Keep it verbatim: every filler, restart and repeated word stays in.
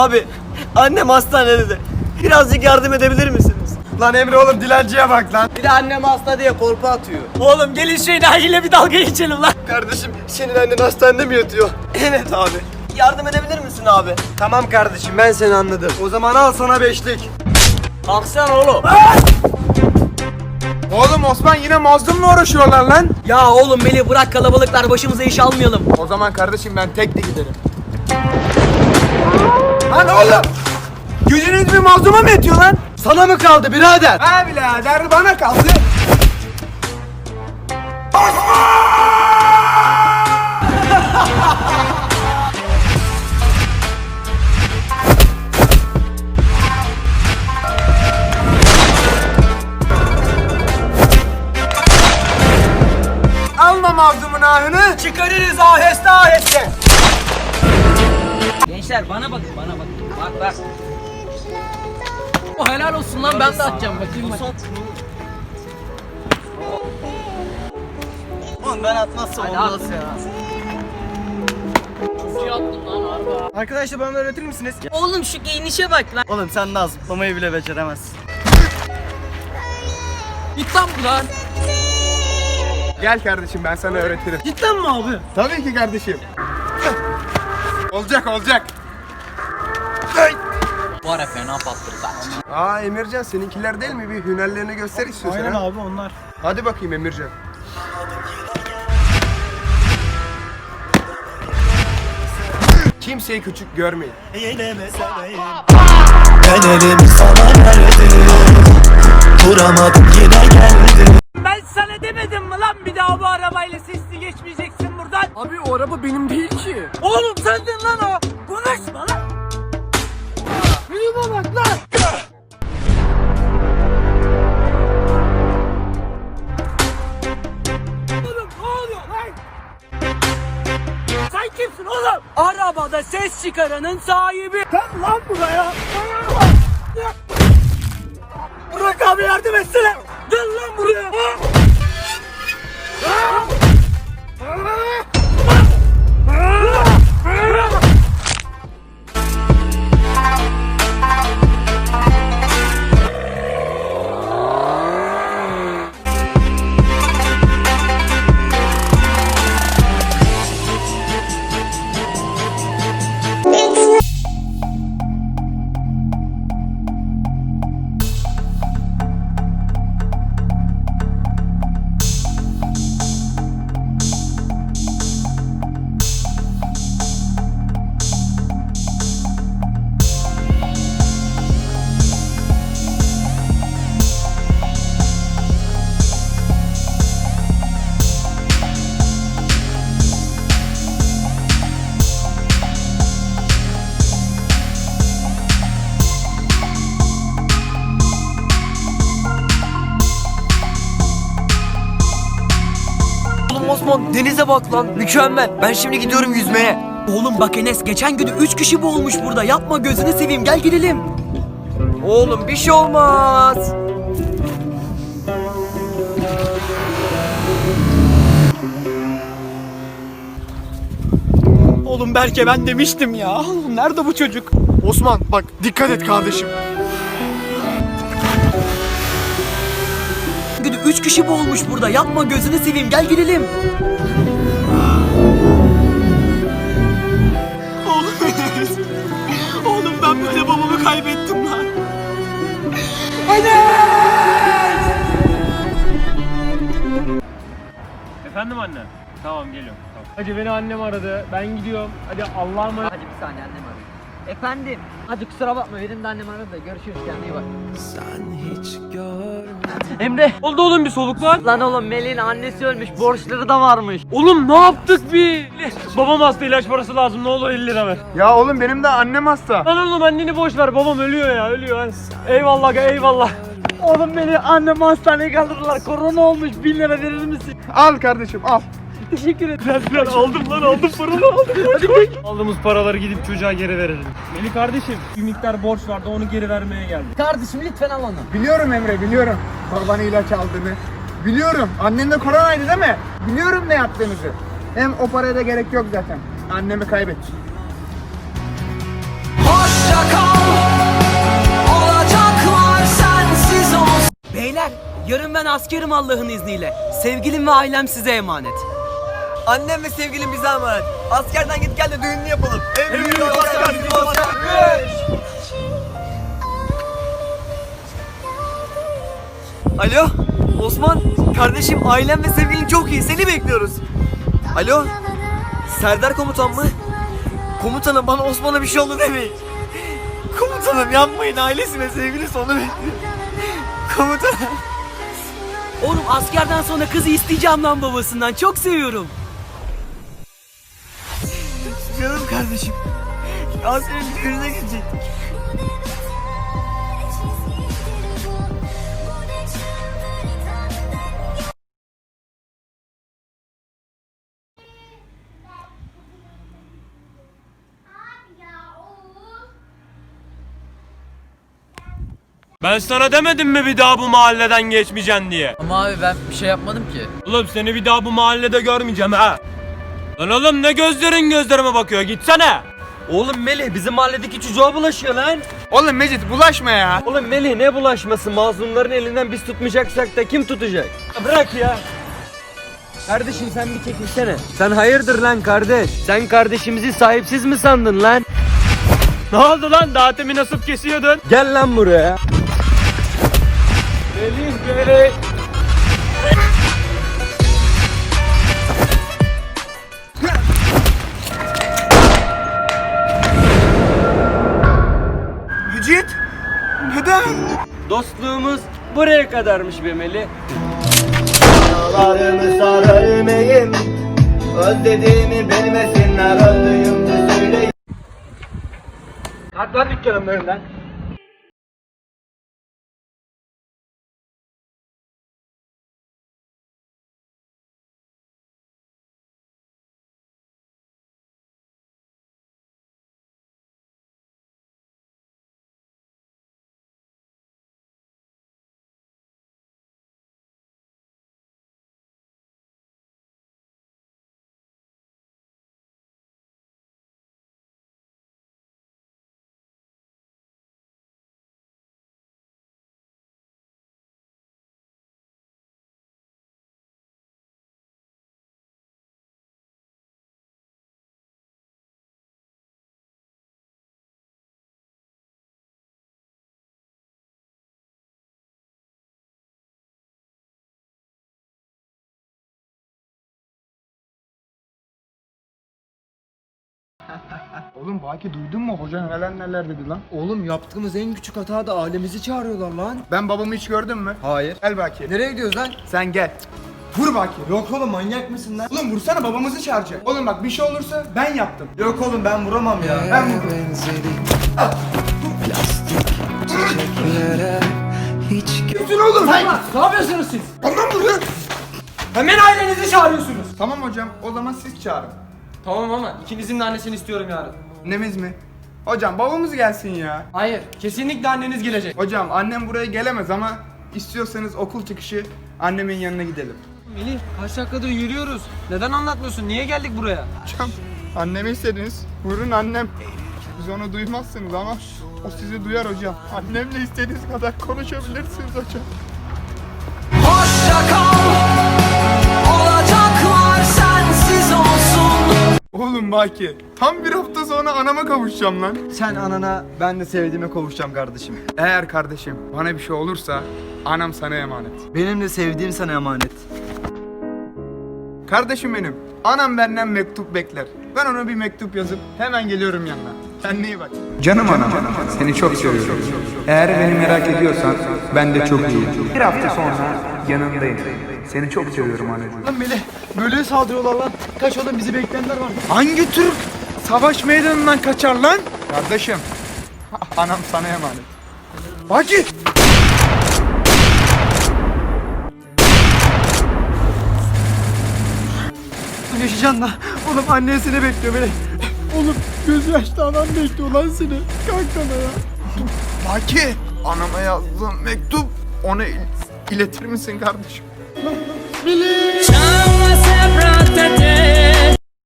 Abi annem hastanede de. Birazcık yardım edebilir misiniz? Lan Emre oğlum dilenciye bak lan. Bir de annem hasta diye korku atıyor. Oğlum gelin şu Nail'le bir dalga geçelim lan. Kardeşim senin annen hastanede mi yatıyor? Evet abi. Yardım edebilir misin abi? Tamam kardeşim ben seni anladım. O zaman al sana beşlik. Kalksana oğlum. Oğlum Osman yine mazlumla uğraşıyorlar lan. Ya oğlum Melih bırak kalabalıklar başımıza iş almayalım. O zaman kardeşim ben tek de giderim. Lan oğlum! Gücünüz bir mazluma mı yetiyor lan? Sana mı kaldı birader? Ha birader bana kaldı. Alma mazlumun ahını. Çıkarırız aheste aheste. Gençler bana bakın bana bakın. Bak bak. O helal olsun lan ben de atacağım bakayım bak. Oğlum ben atmazsam Hadi olmaz at. ya. Çok iyi attın lan harbi. Arkadaşlar bana öğretir misiniz? Oğlum şu giyinişe bak lan. Oğlum sen daha zıplamayı bile beceremezsin. Git lan buradan. Gel kardeşim ben sana öğretirim. Cidden mi abi? Tabii ki kardeşim. Olacak olacak. Bu ara fena patladı lan. Aa Emircan seninkiler değil mi? Bir hünerlerini göster istiyorsan. Aynen ha? abi onlar. Hadi bakayım Emircan. Kimseyi küçük görmeyin. Ben elimi sana verdim, duramadım yine geldim. Ben sana demedim mi lan bir daha bu arabayla sesli geçmeyeceksin buradan. Abi o araba benim değil ki. Oğlum sendin lan o. Konuşma lan. Yürüme bak lan. Oğlum ne oluyor lan? Sen kimsin oğlum? Arabada ses çıkaranın sahibi. Sen lan buraya. Bırak abi yardım etsene. Gel lan buraya. Oğlum Osman denize bak lan mükemmel. Ben şimdi gidiyorum yüzmeye. Oğlum bak Enes geçen gün üç kişi boğulmuş burada. Yapma gözünü seveyim gel gidelim. Oğlum bir şey olmaz. Oğlum Berke ben demiştim ya. Nerede bu çocuk? Osman bak dikkat et kardeşim. Gün üç kişi boğulmuş burada. Yapma gözünü seveyim gel gidelim. Oğlum Enes. Oğlum ben böyle babamı kaybettim lan. Efendim anne? Tamam geliyorum. Tamam. Hacı beni annem aradı. Ben gidiyorum. Hadi Allah'a emanet. Hadi bir saniye annem arıyor. Efendim. Hadi kusura bakma benim de annem aradı da görüşürüz kendine iyi bak. Sen hiç görmedin. Emre. Oldu oğlum bir soluk lan. Lan oğlum Melih'in annesi ölmüş borçları da varmış. Oğlum ne yaptık biz? Babam hasta ilaç parası lazım. Ne olur elli lira ver. Ya oğlum benim de annem hasta. Lan oğlum anneni boş ver. Babam ölüyor ya ölüyor. Hadi. Eyvallah eyvallah. Oğlum beni annem hastaneye kaldırdılar. Korona olmuş. Bin lira verir misin? Al kardeşim al. Teşekkür ederim. Biraz biraz aldım lan aldım paranı aldım. Hadi koy. Aldığımız paraları gidip çocuğa geri verelim. Melih kardeşim bir miktar borç vardı onu geri vermeye geldim. Kardeşim lütfen al onu. Biliyorum Emre biliyorum. Babanı ilaç aldığını. Biliyorum. Annen de koronaydı değil mi? Biliyorum ne yaptığınızı. Hem o paraya da gerek yok zaten. Annemi kaybettim. Hoşça Yarın ben askerim Allah'ın izniyle. Sevgilim ve ailem size emanet. Annem ve sevgilim bize emanet. Askerden git gel de düğününü yapalım. Emrimiz asker, bizim asker. Alo Osman, kardeşim ailem ve sevgilin çok iyi, seni bekliyoruz. Alo, Serdar komutan mı? Komutanım bana Osman'a bir şey oldu demeyin. Komutanım yapmayın, ailesi ve sevgilisi onu bekliyor. Komutanım. Oğlum askerden sonra kızı isteyeceğim lan babasından, çok seviyorum. Canım kardeşim. Ya senin düğününe gidecektik. Ben sana demedim mi bir daha bu mahalleden geçmeyeceksin diye? Ama abi ben bir şey yapmadım ki. Oğlum seni bir daha bu mahallede görmeyeceğim ha. Lan oğlum ne gözlerin gözlerime bakıyor, gitsene. Oğlum Melih bizim mahalledeki çocuğa bulaşıyor lan. Oğlum Mecit bulaşma ya. Oğlum Melih ne bulaşması, mazlumların elinden biz tutmayacaksak da kim tutacak? Ya bırak ya. Kardeşim sen bir çekilsene. Sen hayırdır lan kardeş? Sen kardeşimizi sahipsiz mi sandın lan? Ne oldu lan, daha temin nasip kesiyordun? Gel lan buraya. Melih Melih. Mecit. Neden? Dostluğumuz buraya kadarmış be Melih. Dağlarımı sar ölmeyim, özlediğimi bilmesinler, öldüğümde söyleyeyim. Kalk lan dükkanımın önünden. Oğlum Baki duydun mu? Hoca neler neler dedi lan. Oğlum yaptığımız en küçük hata da ailemizi çağırıyorlar lan. Ben babamı hiç gördün mü? Hayır. Gel Baki. Nereye gidiyoruz lan? Sen gel. Vur Baki. Yok oğlum manyak mısın lan? Oğlum vursana, babamızı çağıracak. Oğlum bak bir şey olursa ben yaptım. Yok oğlum ben vuramam ya. Ben vururum. Çiçeklere hiç Gitsin oğlum. Ne yapıyorsunuz siz? Ondan vuruyor. Hemen ailenizi çağırıyorsunuz. Tamam hocam, o zaman siz çağırın. Tamam ama ikinizin de annesini istiyorum yarın. Annemiz mi? Hocam babamız gelsin ya. Hayır kesinlikle anneniz gelecek. Hocam annem buraya gelemez ama istiyorsanız okul çıkışı annemin yanına gidelim. Melih kaç dakikadır yürüyoruz. Neden anlatmıyorsun? Niye geldik buraya? Hocam annemi istediniz. Buyurun annem. Siz onu duymazsınız ama o sizi duyar hocam. Annemle istediğiniz kadar konuşabilirsiniz hocam. hoşça kal. Olacaklar sensiz olsun. Oğlum Baki, tam bir hafta sonra anama kavuşacağım lan. Sen anana, ben de sevdiğime kavuşacağım kardeşim. Eğer kardeşim bana bir şey olursa anam sana emanet. Benim de sevdiğim sana emanet. Kardeşim benim, anam benden mektup bekler. Ben ona bir mektup yazıp hemen geliyorum yanına. Kendine iyi bak. Canım anam, seni çok seviyorum. Eğer beni merak ediyorsan ben de çok iyiyim. Bir hafta sonra yanındayım. Seni çok seviyorum anneciğim. Lan Melih böyle saldırıyorlar lan. Kaç oğlum bizi bekleyenler var. Hangi Türk savaş meydanından kaçar lan? Kardeşim, anam sana emanet. Baki! Yaşayacaksın lan. Oğlum annesini bekliyor Melih. Oğlum gözü yaşlı anam bekliyor lan seni. Kalk sana ya. Baki! Anama yazdığım mektup ona il- iletir misin kardeşim? Ciao, sempre a te.